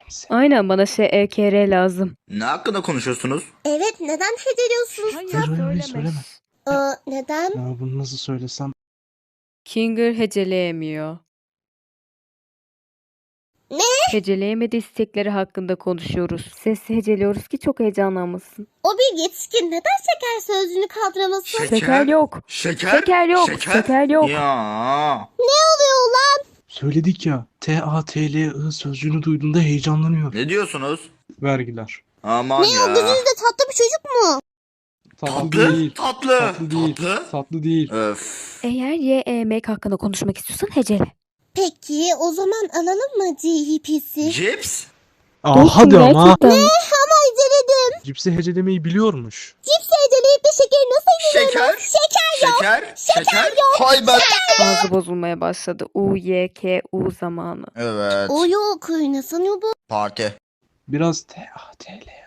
Aynen, bana SEKR lazım. Ne hakkında konuşuyorsunuz? Evet, neden heceliyorsunuz? Hayır, söyleme. Neden? Ya bunu nasıl söylesem? Kinger heceleyemiyor. Ne? Heceleyemediği istekleri hakkında konuşuyoruz. Sesli heceliyoruz ki çok heyecanlanmasın. O bir yetişkin neden şeker sözcüğünü kaldıramasın? Şeker yok. Şeker? Şeker yok. Şeker yok. Ya. Ne oluyor ulan? Söyledik ya. TATLI sözcüğünü duyduğunda heyecanlanıyor. Ne diyorsunuz? Vergiler. Aman Ne ya. o gözünüzde tatlı bir çocuk mu? Tatlı Tatlı? değil. Tatlı. Tatlı değil. Tatlı? Tatlı değil. Öf. Eğer yemek hakkında konuşmak istiyorsan hecele. Peki o zaman alalım mı CHP'si? Cips? Hadi ama. Gerçekten. Ama heceledim. Cipsi hecelemeyi biliyormuş. Cips heceleyip de şekeri nasıl heceliyorum? Şeker? Şeker yok. Hay ben. Ağzı bozulmaya başladı. UYKU zamanı. Evet. O yok. Ne sanıyor bu? Parti. Biraz TATL